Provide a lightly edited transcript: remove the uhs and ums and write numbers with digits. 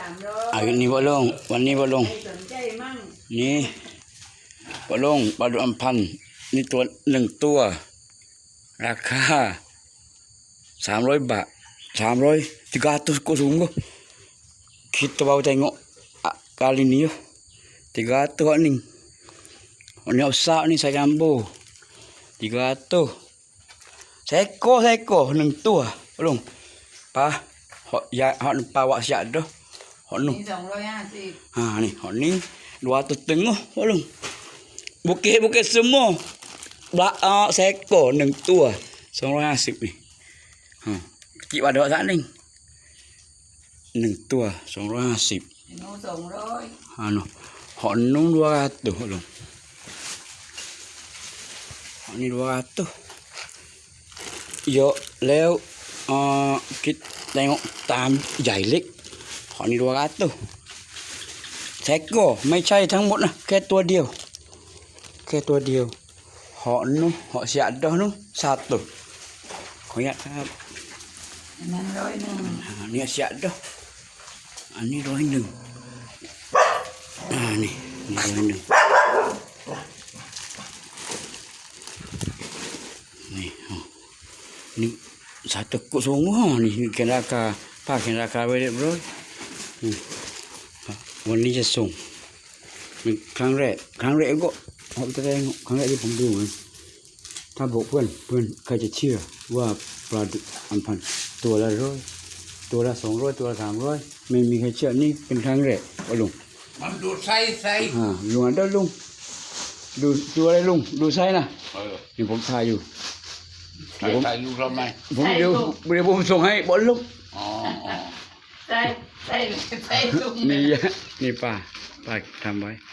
อันนี้บ่ลงวันนี้บ่ลงนี่บ่ลงปลาดุก1,000นี่ตัว1ตัวราคา300 bạc 300 kok sungguh kita baru tengok kali ni 300 ni ni besar ni saya gambar 300 seekor 1 tua belum pa hok ya hok pa wak siap dah hok nu ni 250 ha ni hok ni 200 tengah belum bukit semua seekor 1 tua 250 ni ha kecil pada wak ni 1 tua 250 nó 200 ha no hok nu 200 belum hok ni 200 Yo leo kita tengok tam ใหญ่เล็กหอนี่200แท็กก็ไม่ใช่ทั้งหมดนะแค่ตัวเดียวหอนู้นหอเสียดนู้น1ขออนุญาตครับนั่น100 นี่เสียดอันนี้100นี่100นี่satu kok semua ni kena rakaไว้ bro วันนี้จะส่งเป็นครั้งแรกก็ผมจะได้ครั้งแรกที่ผมดูถ้าบอกเพื่อนใครจะเชื่อว่าปลาดุก1,000ตัวละ100ตัวละ200ตัวละ300ไม่มีใครเชื่อนี่เป็นครั้งแรกว่าลุงมันดูไส้ลุงอันเด้อลุงดูอะไรลุงดูไซส์นะนี่ผมถ่ายอยู่ใส่ลูกทำไมผมเดี๋ยวผมส่งให้บอลลูกใส่ลูกนี่ป้าทำไว้